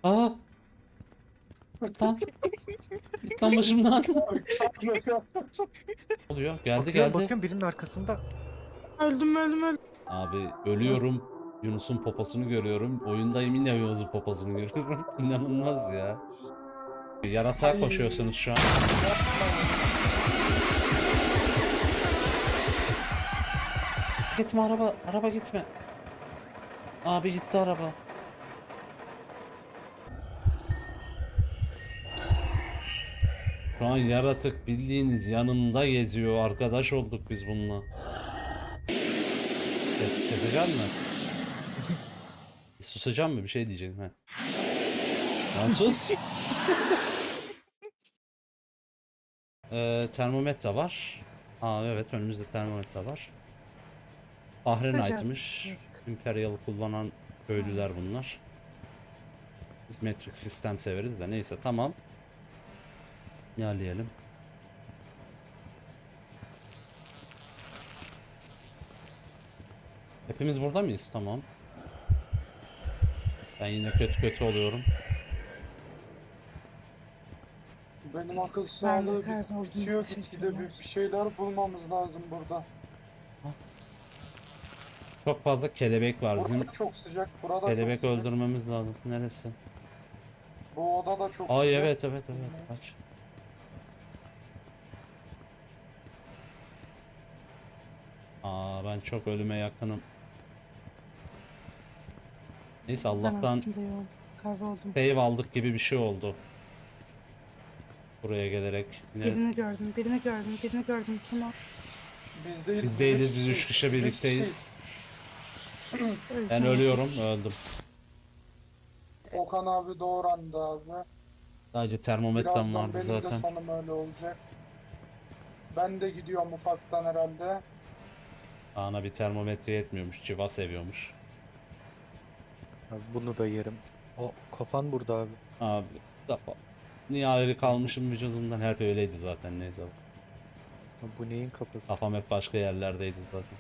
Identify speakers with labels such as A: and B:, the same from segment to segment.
A: Aa, git lan. Git lan başımdan. Oluyor. Geldi
B: Bakıyorum
A: geldi.
B: bakıyorum birinin arkasında.
C: Öldüm.
A: Abi ölüyorum. Yunus'un poposunu görüyorum. Oyundayım yine Yunus'un poposunu görüyorum. İnanılmaz ya. Yaratığa koşuyorsunuz şu an. Gitme araba. Araba gitme. Abi gitti araba. Şu an yaratık bildiğiniz yanında geziyor. Arkadaş olduk biz bununla. Kesecek mi? Susacağım mı? Bir şey diyeceğim. He. Lan sus. Termometre var. Aa evet önümüzde termometre var. Fahrenheit'miş. Imperial kullanan köylüler bunlar. Biz metrik sistem severiz de neyse tamam. İlerleyelim. Hepimiz burada mıyız? Tamam. Ben yine kötü oluyorum.
D: Benim akıl
C: Ben de
D: sağlığı
C: kayboldum,
D: bitiyor
C: teşekkürler.
D: gitgide bir şeyler bulmamız lazım burada.
A: Çok fazla kelebek var. Bizim
D: Burada çok sıcak, burada
A: kelebek
D: çok sıcak.
A: öldürmemiz lazım. Neresi?
D: Bu oda da çok
A: Ay
D: sıcak.
A: evet. Aç. Aa ben çok ölüme yakınım. Neyse
C: Ben
A: Allah'tan
C: aslında yok. Kayboldum.
A: save aldık gibi bir şey oldu. Buraya gelerek. Yine
C: Birini gördüm. Kim o?
D: Biz değiliz.
A: biz değiliz,
D: üç
A: biz 3
D: kişiyiz.
A: kişi
D: Üç
A: birlikteyiz.
D: kişiyiz.
A: Ben ölüyorum, öldüm.
D: Okan abi doğrandı abi.
A: Sadece termometrem
D: Birazdan
A: vardı
D: benim
A: zaten.
D: de sonum öyle olacak. Ben de gidiyorum ufaktan herhalde.
A: Ana bir termometre yetmiyormuş, civa seviyormuş.
B: Abi bunu da yerim. O kafan burada abi.
A: Abi, niye ayrı kalmışım vücudumdan? Hep öyleydi zaten neyse.
B: Abi bu neyin kafası?
A: Kafam hep başka yerlerdeydi zaten.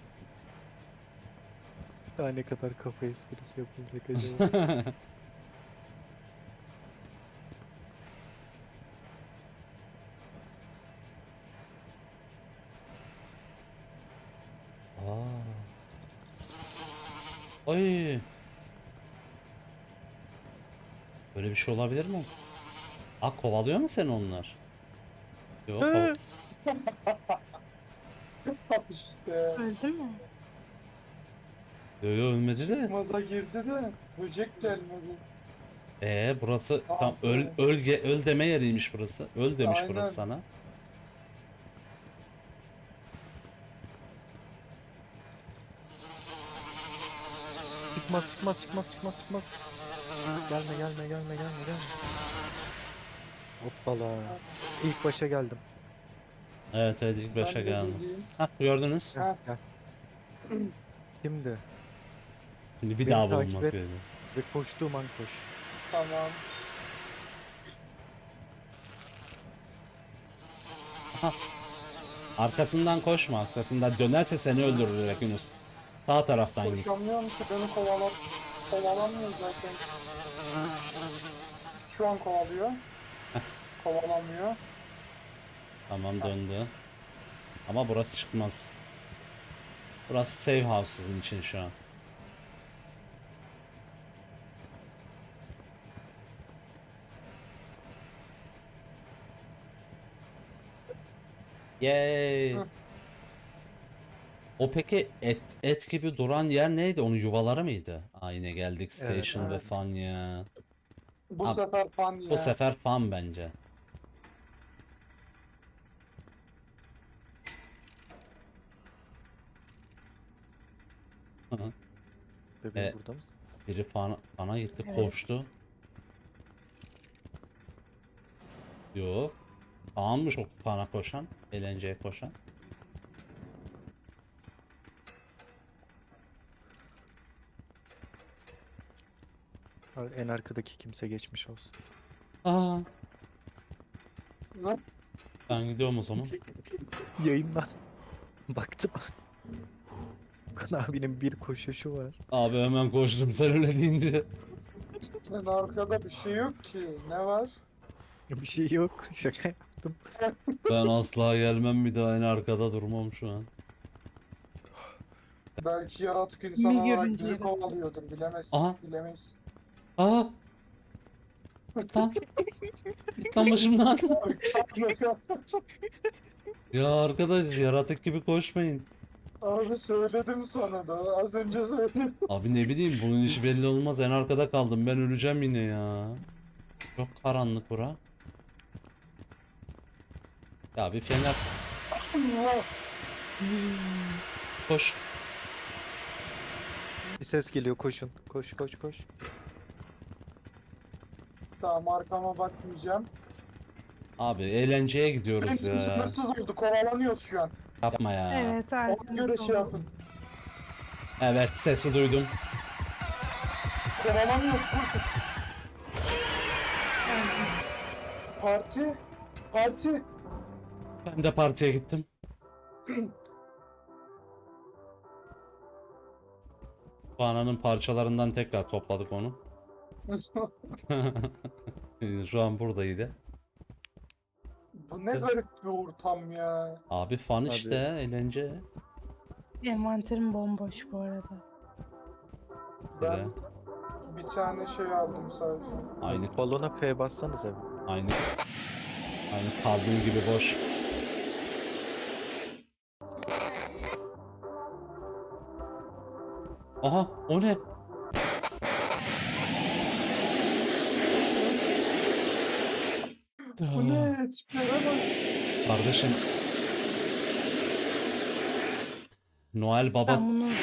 B: Daha ne kadar kafa esprisi yapılacak acaba?
A: Aa. Ay. Böyle bir şey olabilir mi? Aa kovalıyor mu seni onlar? Yok.
D: İşte.
C: Öldü mü?
A: Yo ölmedi de.
D: Çıkmaza girdi de böcek gelmedi.
A: Burası
D: Ah
A: tam
D: be.
A: öl deme yeriymiş burası. Öl demiş
D: Aynen.
A: burası sana.
B: Çıkmaz. Gelme. Hoppala. İlk başa geldim.
A: Evet ilk başa
D: Ben de
A: geldim.
D: geleyim.
A: Hah gördünüz.
B: Gel,
D: Ha.
B: gel. Şimdi
A: Şimdi bir
B: beni
A: daha
B: takip
A: bulunması
B: et
A: gerekiyor.
B: ve koştuğum an koş.
D: Tamam.
A: Arkasından koşma. Arkasından dönerse seni öldürür direkt Yunus. Sağ taraftan git.
D: Koşamıyorum ki beni kovalamıyor zaten. Şu an kovalıyor. Kovalamıyor.
A: Tamam döndü. Ama burası çıkmaz. Burası save house sizin için şu an. Yay.
D: Hı.
A: O peki et gibi duran yer neydi? Onun yuvaları mıydı? Aa yine geldik
B: Evet,
A: station ve
D: evet.
A: fan ya.
D: Bu
A: Abi,
D: sefer fan ya.
A: Bu sefer fan bence. Hı hı.
B: Bebeğim
A: E,
B: burada mısın?
A: Biri fana gitti
C: Evet.
A: koştu. Yok. Faanmış o fana koşan. Eğlenceye koşan.
B: Abi en arkadaki kimse geçmiş olsun.
A: Aa,
D: Ne?
A: ben gidiyorum o zaman.
B: Yayından baktım. Okan abinin bir koşuşu var.
A: Abi hemen koştum sen öyle deyince.
D: Lan arkada bir şey yok ki. Ne var?
B: Bir şey yok. Şaka yaptım.
A: Ben asla gelmem bir daha en arkada durmam şu an.
D: Belki yaratık insan
C: Kimi
D: olarak
C: görünce
D: bizi
C: yaratık.
D: kovalıyordur.
A: Aha.
D: Bilemeyiz.
A: Aa! Git lan. Git lan başımdan. Ya arkadaş yaratık gibi koşmayın.
D: Abi söyledim sana da. Az önce söyledim.
A: Abi ne bileyim bunun işi belli olmaz. En arkada kaldım. Ben öleceğim yine ya. Çok karanlık bura. Ya bir fener koş.
B: Bir ses geliyor, koşun. Koş koş koş.
D: Tamam, arkama bakmayacağım.
A: Abi eğlenceye gidiyoruz
D: Benim
A: ya.
D: sınırsız oldu. Kovalanıyoruz şu an.
A: Yapma ya.
C: Evet
D: Ona göre
C: arkamızda
D: şey
C: oldu.
D: yapın.
A: Evet sesi duydum.
D: Kovalanıyoruz. Koşun. Parti. Parti.
A: Ben de partiye gittim. Bananın parçalarından tekrar topladık onu. Şu an buradaydı.
D: Bu ne garip bir ortam ya.
A: Abi fan
B: Abi.
A: işte eğlence.
C: Envanterim bomboş bu arada.
A: Böyle.
D: Ben bir tane şey aldım sadece.
A: Aynı
B: Balona F bassanız abi.
A: aynı kalbim gibi boş. Aha o ne?
D: Bu ne? Tiplere bak.
A: Kardeşim. Noel Baba
C: Ben bunu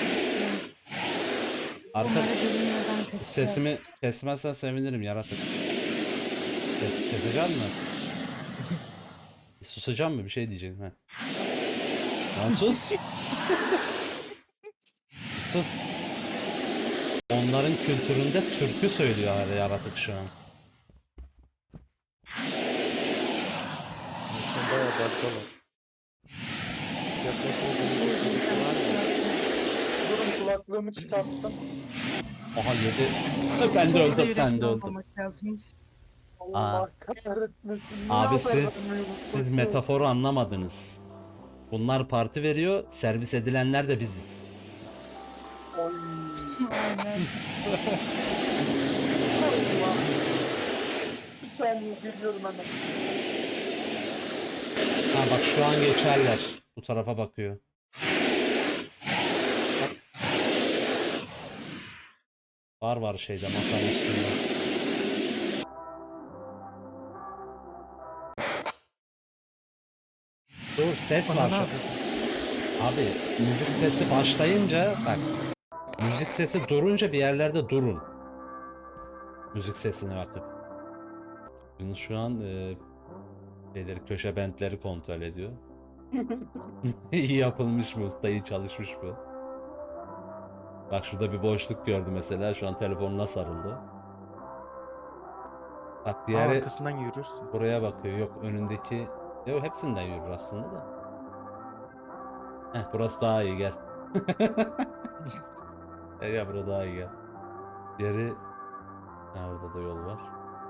A: arka
C: onlara görünmeden kaçacağız.
A: sesimi kesmezsen sevinirim yaratık. Keseceğim mi? Susacağım mı? Bir şey diyeceğim. He. Lan sus. Sus. Onların kültüründe türkü söylüyor her yaratık şu an.
B: Şu an bayağı bakıyorlar. Yaklaşma
C: Bir şey
B: dönecek birisi var mı?
D: Durun, kulaklığımı çıkarttım.
A: Aha yedi. Ben de öldüm. Ben de öldüm.
C: Olmamak lazımmış.
D: Allah kahretmesin. Niye
A: Abi
D: haber
A: siz
D: vermiyorsunuz?
A: metaforu anlamadınız. Bunlar parti veriyor. Servis edilenler de biziz.
D: Oy.
C: Aynen.
D: Allah. Bir saniye geliyorum hemen.
A: Ha bak şu an geçerler. Bu tarafa bakıyor. Bak. Var şeyde masanın üstünde. Dur ses var
B: Ana, ne
A: şu.
B: yapıyorsun?
A: Abi müzik sesi başlayınca bak. Müzik sesi durunca bir yerlerde durun. Müzik sesine bakıp. Yunus şu an köşe bentleri kontrol ediyor. İyi yapılmış mı? Usta iyi çalışmış mı? Bak şurada bir boşluk gördü mesela. Şu an telefonuna sarıldı. Bak
B: Aa,
A: diğeri
B: arkasından yürürsün.
A: buraya bakıyor. Yok önündeki. Yok hepsinden yürür aslında da. Heh burası daha iyi gel. Gel burası daha iyi gel. Diğeri. Ha orada da yol var.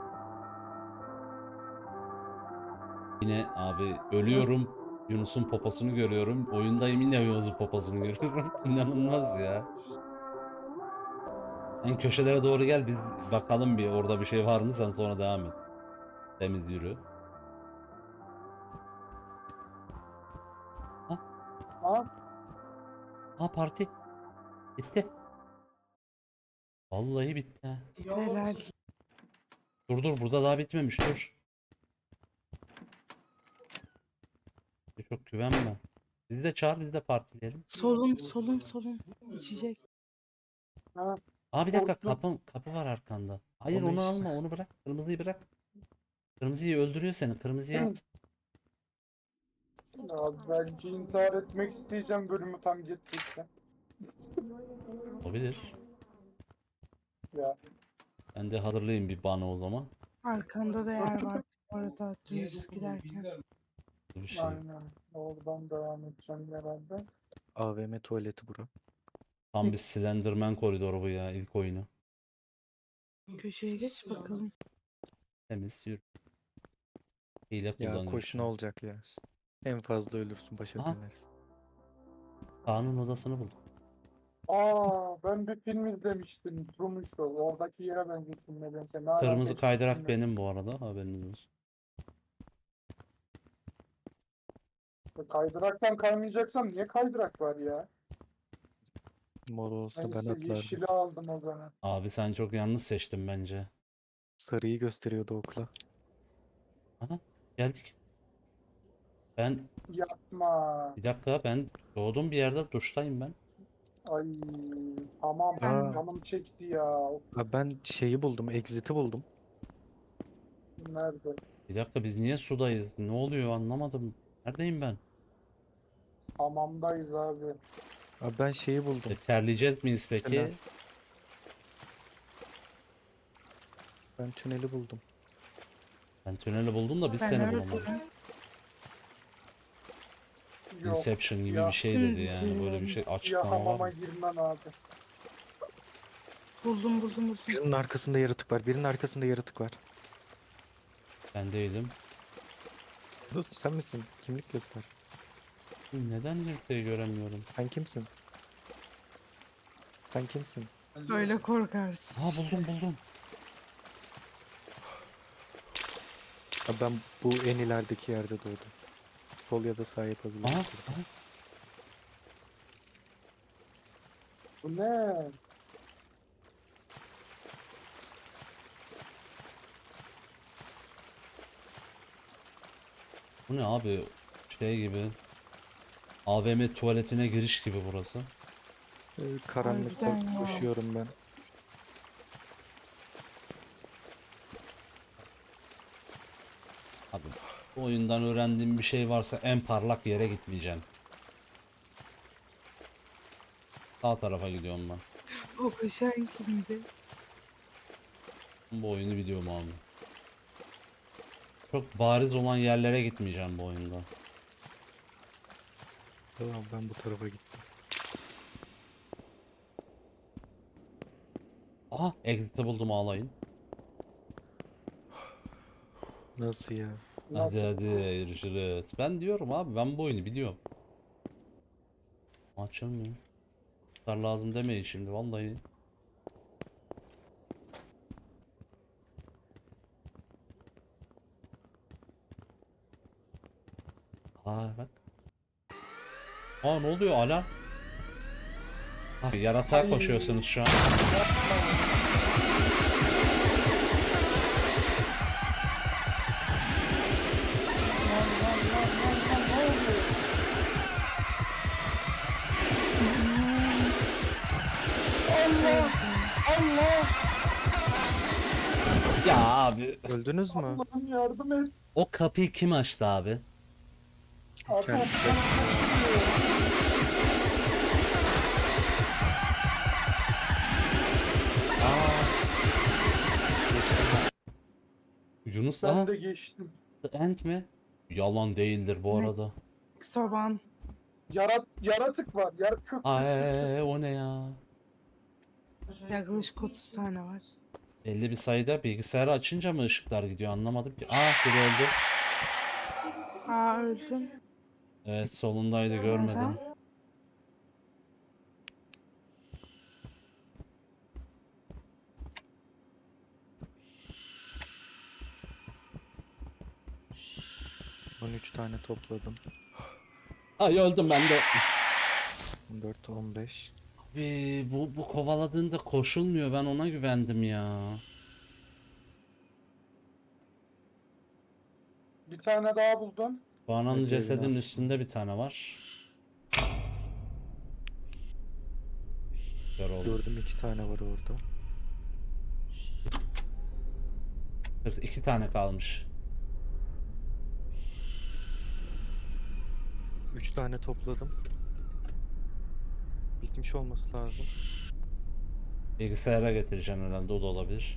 A: Yine abi ölüyorum. Yunus'un poposunu görüyorum. Oyundayım yine Yunus'un poposunu görüyorum. İnanılmaz ya. Sen köşelere doğru gel bir bakalım bir orada bir şey var mı sen sonra devam et. Temiz yürü. Ha,
D: Ha?
A: ha parti. Bitti. Vallahi bitti ha.
C: Helal.
A: Dur burada daha bitmemiş dur. Çok güvenme. Bizi de çağır biz de partileyelim.
C: Solun. İçecek.
D: Ha?
A: Aa bir dakika
D: Korktum.
A: kapı var arkanda. Hayır
B: Onu
A: onu
B: işte.
A: alma onu bırak. Kırmızıyı bırak. Kırmızıyı öldürüyor seni. Kırmızıyı at.
D: Ya belki intihar etmek isteyeceğim bölümü tam geçecekten.
A: Olabilir.
D: Ya.
A: Ben de hazırlayayım bir bana o zaman.
C: Arkanda da yer var bu arada dümdüz giderken.
A: Bir şey.
D: Aynen. Oradan devam edeceğim herhalde.
B: AVM tuvaleti bura.
A: Tam bir Slenderman koridoru bu ya ilk oyunu.
C: Köşeye geç bakalım.
A: Temiz yürü. Hile
B: Ya
A: kullanıyor
B: koş
A: şu
B: ne
A: an.
B: olacak ya. En fazla ölürsün, başa
A: Aha.
B: dönersin.
A: Kaan'ın odasını buldum.
D: Ben bir film izlemiştim. Truman Show. Oradaki yere benzettim nedense. Ne alaka
A: Kırmızı
D: hiç
A: kaydırak
D: bilmiyorum.
A: benim bu arada, haberiniz olsun.
D: Kaydıraktan kaymayacaksam niye kaydırak var ya?
B: Mor olsa ben
D: Neyse
B: atlardım.
D: yeşili aldım o zaman.
A: Abi sen çok yanlış seçtin bence.
B: Sarıyı gösteriyordu okla.
A: Aha, geldik. Ben
D: Yapma.
A: bir dakika, ben doğduğum bir yerde duştayım ben.
D: Ay tamam.
B: Aa.
D: Canım çekti ya.
B: Ha, ben şeyi buldum, exit'i buldum.
D: Nerede?
A: Bir dakika, biz niye sudayız? Ne oluyor anlamadım. Neredeyim ben?
D: Hamamdayız abi.
B: Ha, ben şeyi buldum.
A: Terleyeceğiz miyiz peki?
B: Tünel. Ben tüneli buldum.
A: Ben tüneli buldum da biz
C: Ben
A: seni
C: öyle
A: bulamadık.
D: Yok.
A: Inception gibi
D: Ya.
A: bir şey dedi yani, böyle bir şey
D: Ya
A: açıklama var
D: hamama
A: mı?
D: girmem abi.
C: Buldum.
B: Birinin arkasında yaratık var. Birinin arkasında yaratık var.
A: Ben değilim.
B: Dostum sen misin? Kimlik göster.
A: Neden yurtayı göremiyorum?
B: Sen kimsin? Sen kimsin?
C: Öyle korkarsın.
A: Ha, buldum.
B: Ha, ben bu en ilerideki yerde doğdum. Sol ya da sağ yapabilirim.
A: Aha,
B: burada.
A: aha.
D: Bu ne?
A: Bu ne abi? Şey gibi. AVM tuvaletine giriş gibi burası.
B: Karanlıkta
C: Harbiden ya.
B: koşuyorum ben.
A: Abi bu oyundan öğrendiğim bir şey varsa en parlak yere gitmeyeceğim. Sağ tarafa gidiyorum ben.
C: O koşan kimdi?
A: Bu oyunu biliyorum abi. Çok bariz olan yerlere gitmeyeceğim bu oyunda.
B: Tamam, ben bu tarafa gittim.
A: Aha, exit'i buldum, ağlayın.
B: Nasıl ya?
D: Nasıl?
A: Hadi görüşürüz. Ben diyorum abi, ben bu oyunu biliyorum. Açılmıyor. Kar lazım demeyin şimdi vallahi. Aa bak. Aa, ne oluyor alarm? Ha, yaratığa
D: Ay.
A: koşuyorsunuz şu an.
D: Allah!
A: Ya abi.
B: Öldünüz mü?
D: Allah'ım yardım et.
A: O kapıyı kim açtı abi?
D: Adam
B: Kendisi
D: bana
B: açtı.
D: bakıyor.
B: Geçtim ben.
A: Yunus,
D: Ben
A: aha.
D: de geçtim.
A: The End mi? Yalan değildir bu
C: Ne?
A: arada.
C: Soban.
D: Yaratık var. Çöp.
A: Ay, o ne ya?
C: Yaklaşık 30 tane var.
A: Belli bir sayıda bilgisayarı açınca mı ışıklar gidiyor, anlamadım ki. Biri öldü.
C: Aa öldüm.
A: Evet, solundaydı, görmedim.
C: Neden?
B: Ben 13 tane topladım.
A: Ay, öldüm ben de.
B: 14, 15.
A: Abi bu kovaladığında koşulmuyor, ben ona güvendim ya.
D: Bir tane daha buldum.
A: Bananın
B: Hadi
A: cesedinin
B: biraz.
A: üstünde bir tane var. Kör oldu.
B: Gördüm, 2 tane var orada.
A: 2 tane kalmış.
B: 3 tane topladım. Bitmiş olması lazım.
A: Bilgisayara getireceğim herhalde, o da olabilir.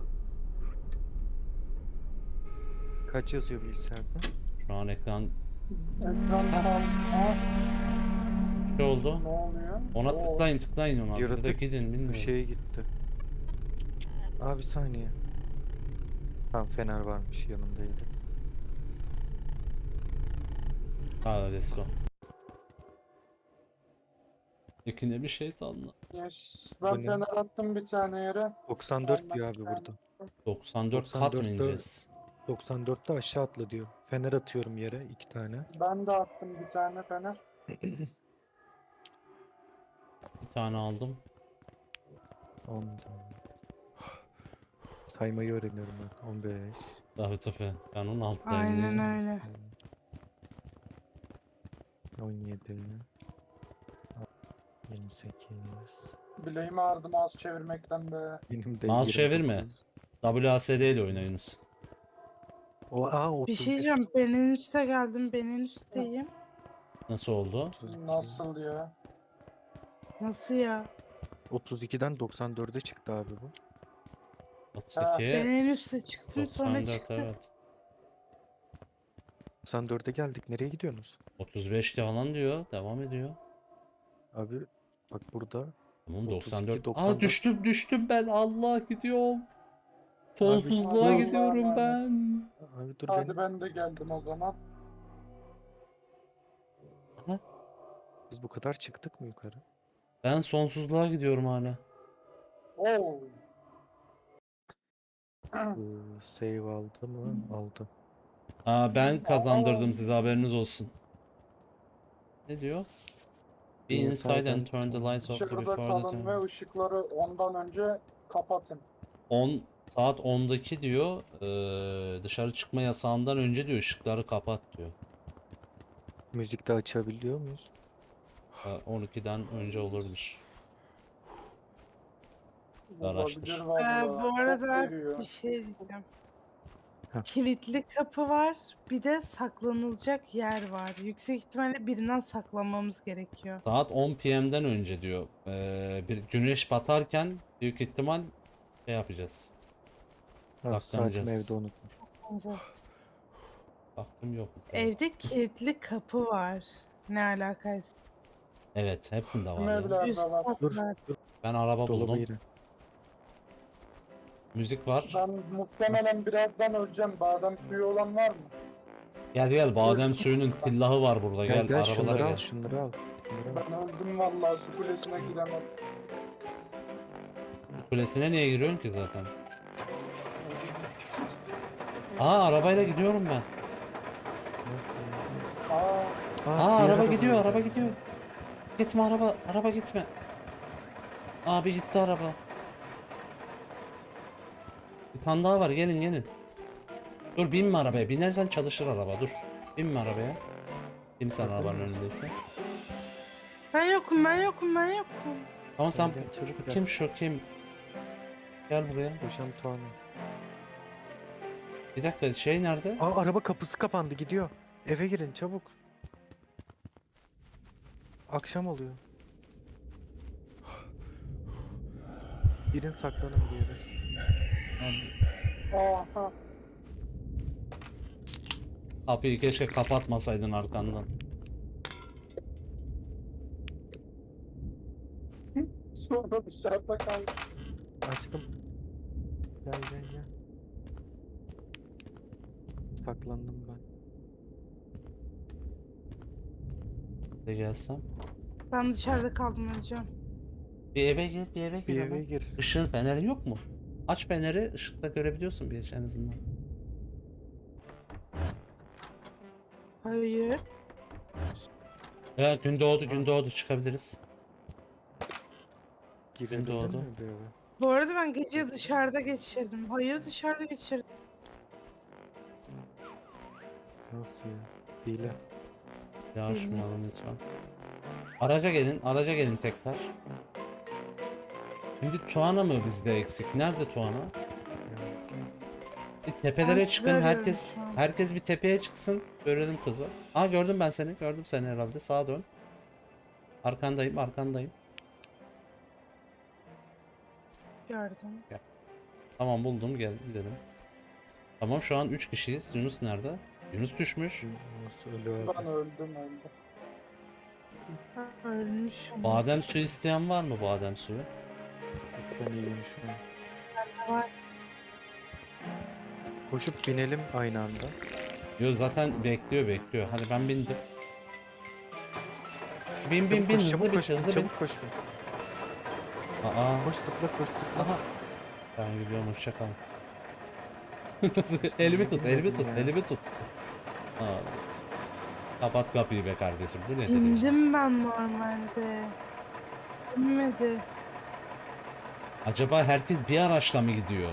B: Kaç yazıyor bilgisayarda?
A: Şu an ekran
D: Ekran kalma.
A: şey oldu.
D: Ne oluyor?
A: Ona
D: Oo.
A: tıklayın ona. Bir de
B: Yaratık
A: gidin,
B: Bu
A: bilmiyorum.
B: şeye gitti. Abi saniye. Tamam fener varmış yanımdaydı.
A: Hadi let's go. İkine bir şeytanla.
D: Yes.
B: Bu
D: Ben
B: ne?
D: fener attım bir tane yere.
B: 94
D: Ondan
B: diyor
D: bir
B: abi
D: tane.
B: burada.
A: 94 kat mı
B: 94'te
A: ineceğiz?
B: 94'te aşağı atla diyor. Fener atıyorum yere 2 tane.
D: Ben de attım bir tane fener.
A: Bir tane aldım.
B: 10. Saymayı öğreniyorum ben. 15.
A: Tabii. Ben 16'dayım.
C: Aynen öyle.
B: 17. 28.
D: Bileğimi ağrıdı mouse çevirmekten be.
B: Benim de
A: Mouse çevirme.
B: 29.
A: WASD ile oynayınız.
C: Bir şey
B: 31.
C: diyeceğim. Ben en üste geldim. Ben en üstteyim.
A: Nasıl oldu?
B: 32.
D: Nasıl ya?
C: Nasıl ya?
B: 32'den 94'e çıktı abi bu.
A: 32,
C: Ben en üste çıktım sonra
A: 94
C: çıktı.
A: evet.
B: 94'e geldik. Nereye gidiyorsunuz?
A: 35 falan diyor. Devam ediyor.
B: Abi bak burada
A: Tamam
B: 32,
A: 94.
B: 94.
A: Düştüm ben. Allah gidiyorum.
B: Abi
A: Sonsuzluğa
D: dur.
A: gidiyorum
D: Allah'a
A: ben.
B: Abi dur
D: Hadi
B: benim.
D: ben de geldim o zaman.
A: Ha?
B: Biz bu kadar çıktık mı yukarı?
A: Ben sonsuzluğa gidiyorum hala.
D: Oo.
B: Save aldı mı? Aldı.
A: Ben kazandırdım
D: Aa.
A: size, haberiniz olsun. Ne diyor? Be inside and turn the lights off
D: Dışarıda
A: before the
D: kalın
A: time.
D: ve ışıkları ondan önce kapatın.
A: 10 saat 10'daki diyor. Dışarı çıkma yasağından önce diyor ışıkları kapat diyor.
B: Müzik de açabiliyor muyuz?
A: 12'den önce olabilir. Araştır.
D: Olabilir vallahi.
C: Bu
D: Çok
C: arada
D: veriyor.
C: bir şey diyeceğim.
B: Heh.
C: Kilitli kapı var. Bir de saklanılacak yer var. Yüksek ihtimalle birinden saklanmamız gerekiyor.
A: Saat 10 PM'den önce diyor. Bir güneş batarken büyük ihtimal şey yapacağız.
B: Ha, saatimi
A: Saklanacağız.
B: evde unutmuş.
C: Saklanacağız.
A: Baktım yok.
C: Evde kilitli kapı var. Ne alakaysa.
A: Evet, hepsinde var
D: Tüm
A: ya.
D: evlerde
C: Üst
D: var.
B: Dur.
C: katlar.
B: Dur.
A: Ben araba
B: Dolaba
A: buldum.
B: girin.
A: Müzik var.
D: Ben muhtemelen birazdan öleceğim. Badem suyu olan var mı?
A: Gel badem suyunun tillahı var burada.
B: Gel
A: Gel,
B: gel
A: arabalara
B: şunları al
A: gel.
B: şunları al. Şunları al.
D: Ben öldüm vallahi su kulesine gidemem.
A: Kulesine niye giriyorsun ki zaten? Arabayla gidiyorum ben.
B: Nasıl?
D: Aa,
B: Diğer
A: Araba
B: araba
A: gidiyor,
B: nerede?
A: araba gidiyor. Gitme araba gitme. Abi gitti araba. Bir tane daha var, gelin. Dur binme arabaya, binersen çalışır araba, dur. Binme arabaya. Bin sen
B: Hazır
A: arabanın
B: mısın?
A: önündeki.
C: Ben yokum.
A: Ama sen
B: Gel, çabuk gel.
A: kim? Gel buraya.
B: Hocam Tuğan'ım.
A: Bir dakika, şey nerede?
B: Araba kapısı kapandı gidiyor. Eve girin çabuk. Akşam oluyor. Girin saklanın bir yere.
D: aha.
A: Kapıyı keşke kapatmasaydın arkandan.
D: Sonra dışarıda kaldım.
B: Açtım. Gel. Saklandım ben.
A: Bir de gelsem.
C: Ben dışarıda kaldım hocam.
A: Bir eve gir, bir eve gir.
B: Bir
A: hemen.
B: eve gir.
A: Işığın feneri yok mu? Aç feneri, ışıkta görebiliyorsun bir en azından.
C: Hayır.
A: Ya gün doğdu çıkabiliriz.
B: Girebildin
A: doğdu.
B: mi bir eve?
C: Bu arada ben gece dışarıda geçirdim. Hayır dışarıda geçirdim.
B: Nasıl ya? Hile.
A: Yavaşmayalım lütfen. Araca gelin tekrar. Şimdi Tuana mı bizde eksik? Nerede Tuana?
B: Ya.
A: Bir tepelere
C: Ben
A: çıkın,
C: sizi arıyorum
A: herkes
C: şu an.
A: herkes bir tepeye çıksın. Görelim kızı. Gördüm ben seni. Gördüm seni herhalde. Sağa dön. Arkandayım.
C: Gördüm.
A: Tamam buldum, gel gidelim. Tamam şu an 3 kişiyiz. Yunus nerede? Yunus düşmüş.
B: Nasıl ölü abi?
D: Ben öldüm.
C: Ölmüşüm.
A: Badem suyu isteyen var mı badem suyu?
B: Ben iyiyim şu an.
C: Var.
B: Koşup binelim aynı anda.
A: Yo zaten bekliyor. Hadi ben bindim. Bin
B: Çabuk koş,
A: hızlı
B: çabuk
A: bin
B: koş,
A: hızlı bin.
B: çabuk koş.
A: Aa.
B: Koş zıpla, koş zıpla.
A: Aha. Ben gidiyorum hoşça kal.
B: Aşkım,
A: Elimi
B: niye
A: tut,
B: binmedin ya?
A: elimi tut. Aa. Kapat kapıyı be kardeşim. Bu nedir ya?
C: İndim ben normalde. İnmedi.
A: Acaba herkes bir araçla mı gidiyor?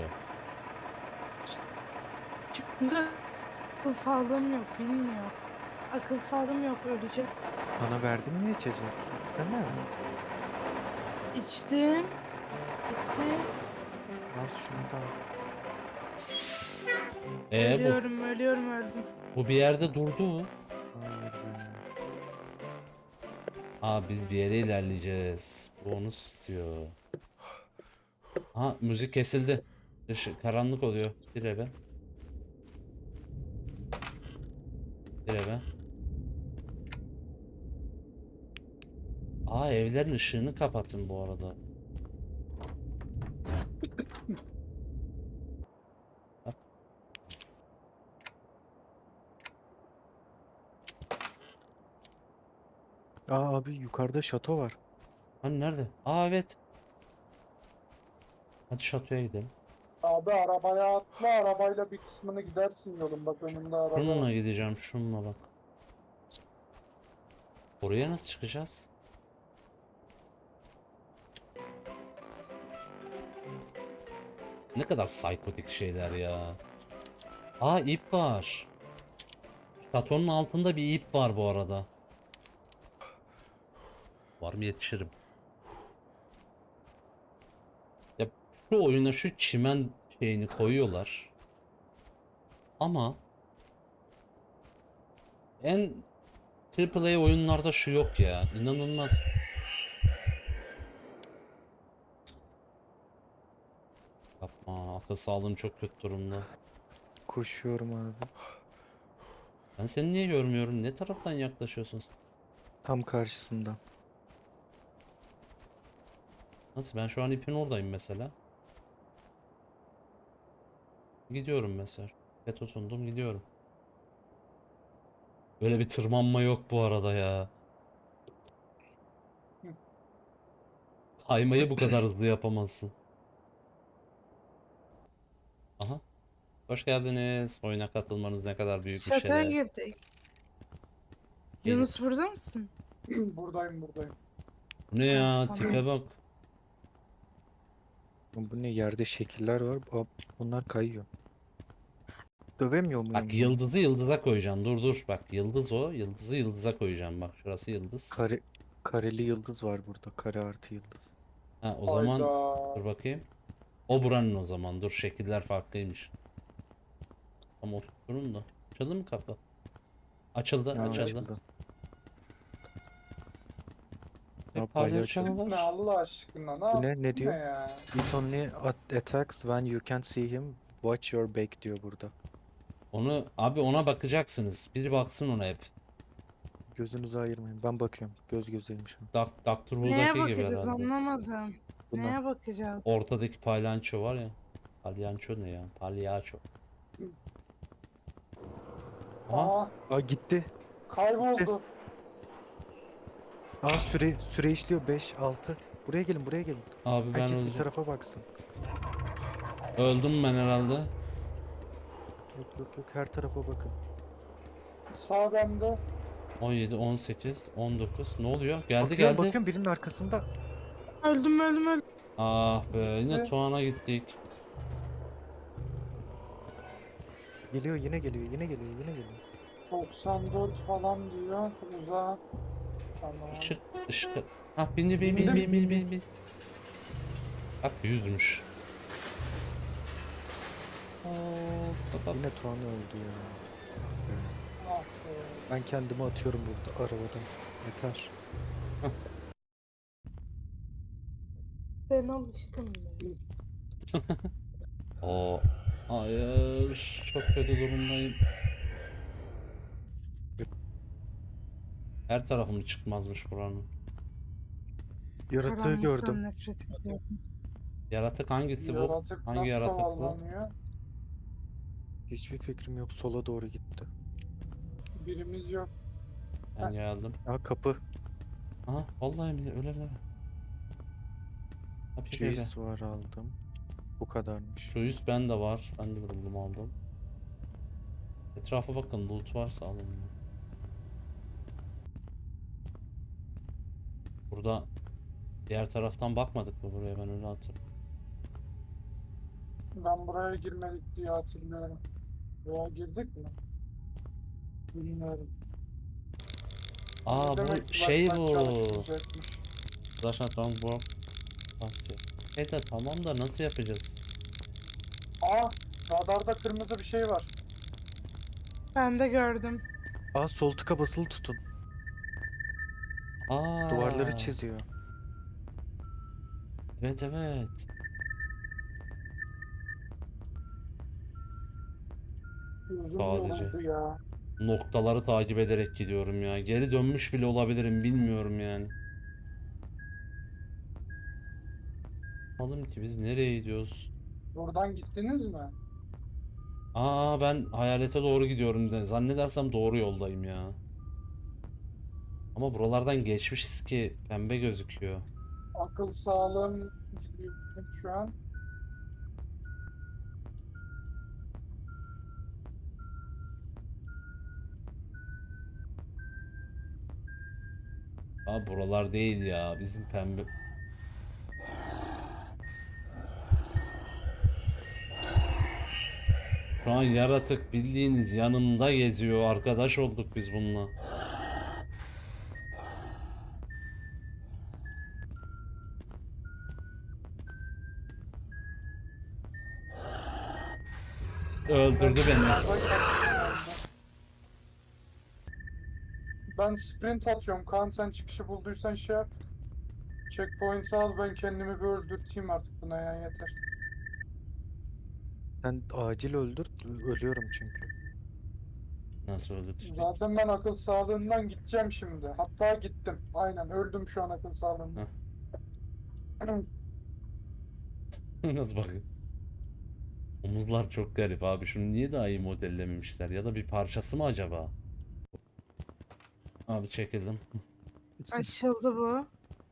C: Çünkü akıl sağlığım yok, bilmiyor. Akıl sağlığım yok, öleceğim.
B: Bana verdim ya içecek. İçsene.
C: İçtim. Gitti.
B: Al şunu da al.
A: Bu,
C: Ölüyorum, öldüm.
A: bu bir yerde durdu mu?
B: Hayır be.
A: Aa biz bir yere ilerleyeceğiz. Bu onu istiyor. Ha müzik kesildi. Karanlık oluyor. Bir eve. Bir eve. Aa evlerin ışığını kapatın bu arada.
B: Aa abi yukarıda şato var.
A: Hani nerede? Aa evet. Hadi şatoya gidelim.
D: Abi arabaya atla, arabayla bir kısmını gidersin yolun, bak önünde araba
A: Şununla
D: var.
A: gideceğim şununla bak. Oraya nasıl çıkacağız? Ne kadar psikotik şeyler ya. Aa ip var. Şatonun altında bir ip var bu arada. Var mı yetişirim. Ya şu oyuna şu çimen şeyini koyuyorlar. Ama en AAA oyunlarda şu yok ya. İnanılmaz. Yapma. Akıl sağlığım çok kötü durumda.
B: Koşuyorum abi.
A: Ben seni niye görmüyorum? Ne taraftan yaklaşıyorsun sen?
B: Tam karşısında.
A: Nasıl? Ben şu an ipin oradayım mesela. Gidiyorum mesela. Ve tutundum gidiyorum. Böyle bir tırmanma yok bu arada ya. Kaymayı bu kadar hızlı yapamazsın. Aha. Hoş geldiniz. Oyuna katılmanız ne kadar büyük bir
C: Şatoya
A: şeref.
C: girdik.
A: Gelin.
C: Yunus burada mısın?
D: Buradayım.
A: Bu ne
C: Ha,
A: ya?
C: tamam.
A: Tipe bak.
B: Bu ne, yerde şekiller var. Bunlar kayıyor. Dövemiyor muyum
A: Bak
B: bunu?
A: yıldızı yıldıza koyacaksın. Dur. Bak yıldız o. Yıldızı yıldıza koyacaksın. Bak şurası yıldız.
B: Kareli yıldız var burada. Kare artı yıldız.
A: Ha o zaman
D: Hayda.
A: dur bakayım. O buranın o zaman. Dur şekiller farklıymış. Ama oturun da. Açıldı mı kapı? Açıldı,
B: Ya,
A: açıldı.
B: açıldı.
A: Bir
B: Ha,
A: palyaço
B: palyaço.
A: mu
D: Ne
A: var?
D: Allah aşkına, ne
B: Bu ne?
D: yaptın
B: Ne diyor?
D: ya?
B: It only attacks when you can't see him. Watch your back diyor burada.
A: Onu abi ona bakacaksınız. Biri baksın ona hep.
B: Gözünüzü ayırmayın. Ben bakıyorum. Göz gözeymiş.
A: Doctor
C: Neye
A: Who'daki gibi
C: bakacağız
A: herhalde.
C: anlamadım.
B: Buna.
C: Neye bakacağız?
A: Ortadaki palyaço var ya. Palyaço ne ya? Palyaço. Aha.
D: Aa,
B: Aa gitti.
D: kayboldu.
B: Aa süre işliyor 5 6. Buraya gelin, buraya gelin.
A: Abi ben
B: Herkes bir
A: öleceğim.
B: tarafa baksın.
A: Öldüm ben herhalde.
B: Yok her tarafa bakın.
D: Sağ bende.
A: 17, 18, 19. Ne oluyor? Geldi
B: Bakıyorum
A: geldi.
B: bakıyorum birinin arkasında.
C: Öldüm.
A: Ah be yine
D: Ne?
A: Tuğan'a gittik.
B: Geliyor yine geliyor.
D: 94 falan diyor. Uzak. Tamam.
A: Işık. Ah bindi bin. Bak yüzmüş.
B: Yine Tuğan öldü ya.
D: Ah be.
B: Ben kendimi atıyorum burada arabadan. Yeter.
C: Ben alıştım be.
A: Oo. Hayır. Çok kötü durumdayım. Her tarafım çıkmazmış buranın.
B: Yaratığı
C: Karanlıktan
B: gördüm.
C: nefret ediyorum.
A: Yaratık hangisi bu?
D: Yaratık
A: Hangi
D: nasıl
A: yaratık bu?
D: kovalanıyor?
B: Hiçbir fikrim yok. Sola doğru gitti.
D: Birimiz yok.
A: Ben geldim.
B: Aa, kapı.
A: Aha vallahi mi? Öyle mi? Kapıyı kırdı.
B: Cheese var, aldım. Bu kadarmış.
A: Şu üst bende var. Ben de buldum aldım. Etrafa bakın, loot varsa alın. Burada diğer taraftan bakmadık mı buraya, ben öyle hatırlıyorum.
D: Ben buraya girmedik diye hatırlıyorum. Veya girdik mi? Bilmiyorum.
A: Aa
D: Demek
A: bu
D: ki
A: şey
D: flashlight
A: bu.
D: çalışmayacakmış.
A: Zaten tamam bu. Basıyor. De tamam da nasıl yapacağız?
D: Aa, radarda kırmızı bir şey var.
C: Ben de gördüm.
B: Aa, sol tıka basılı tutun.
A: Aa.
B: Duvarları çiziyor.
A: Evet evet.
D: Uzun
A: Sadece.
D: yoluydu ya.
A: Noktaları takip ederek gidiyorum ya. Geri dönmüş bile olabilirim, bilmiyorum yani. Anladım ki biz nereye gidiyoruz?
D: Buradan gittiniz mi?
A: Aa ben hayalete doğru gidiyorum de. Zannedersem doğru yoldayım ya. Ama buralardan geçmişiz ki pembe gözüküyor.
D: Akıl sağlığım gidiyor şu an.
A: Aa buralar değil ya. Bizim pembe... Şu an yaratık bildiğiniz yanında geziyor. Arkadaş olduk biz bununla. Öldürdü beni.
D: Yukarıdan geldim. Ben sprint atıyorum. Kaan sen çıkışı bulduysan şey yap. Checkpoint'i al, ben kendimi bir öldürteyim artık buna ya, yeter.
B: Sen acil öldür. Ölüyorum çünkü.
A: Nasıl öldürdü?
D: Zaten ben akıl sağlığından gideceğim şimdi. Hatta gittim. Aynen, öldüm şu an akıl sağlığından.
A: Nasıl bakın? Omuzlar çok garip abi. Şunu niye daha iyi modellememişler? Ya da bir parçası mı acaba? Abi çekildim.
C: Açıldı bu.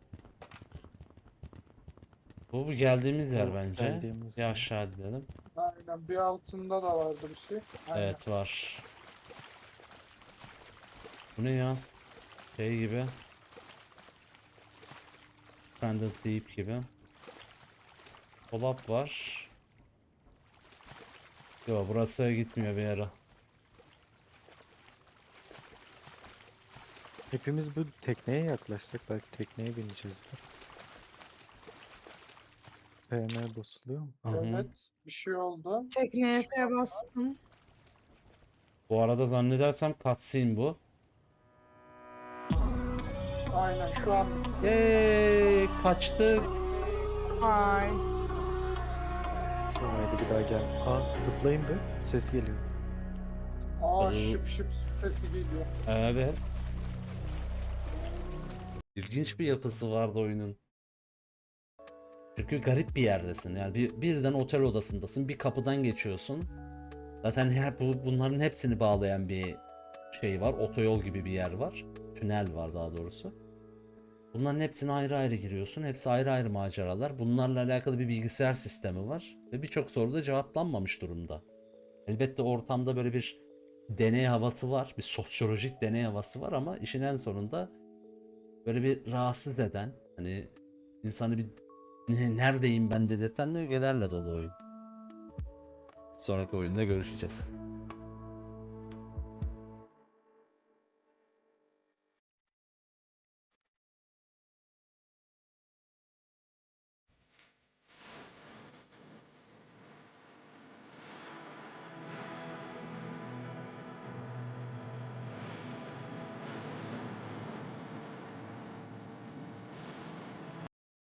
A: Bu geldiğimiz yer
B: Bu
A: bence.
B: geldiğimiz
A: Bir
B: yer.
A: aşağı gidelim.
D: Aynen, bir altında da vardı bir şey. Aynen.
A: Evet var. Bu ne ya? Şey gibi. Stranded Deep gibi. Dolap var. Yo burası gitmiyor bir yere.
B: Hepimiz bu tekneye yaklaştık. Belki tekneye bineceğizdir. FM basılıyor mu?
A: Hı hı.
D: Evet, bir şey oldu.
C: Tekneye F bastım.
A: Bu arada zannedersem cutscene bu.
D: Aynen şu an
A: Yeee kaçtık.
C: Vay.
B: Haydi bir daha gel. Aa, zıplayın bir. Ses geliyor.
D: şıp şıp sesi geliyor.
A: Evet. İlginç bir yapısı vardı oyunun. Çünkü garip bir yerdesin. Yani birden otel odasındasın. Bir kapıdan geçiyorsun. Zaten bunların hepsini bağlayan bir şey var. Otoyol gibi bir yer var. Tünel var daha doğrusu. Bunların hepsine ayrı ayrı giriyorsun. Hepsi ayrı ayrı maceralar. Bunlarla alakalı bir bilgisayar sistemi var. Ve birçok soru da cevaplanmamış durumda. Elbette ortamda böyle bir deney havası var. Bir sosyolojik deney havası var ama işin en sonunda böyle bir rahatsız eden, hani insanı bir neredeyim ben dedirten ögelerle dolu oyun. Sonraki oyunda görüşeceğiz.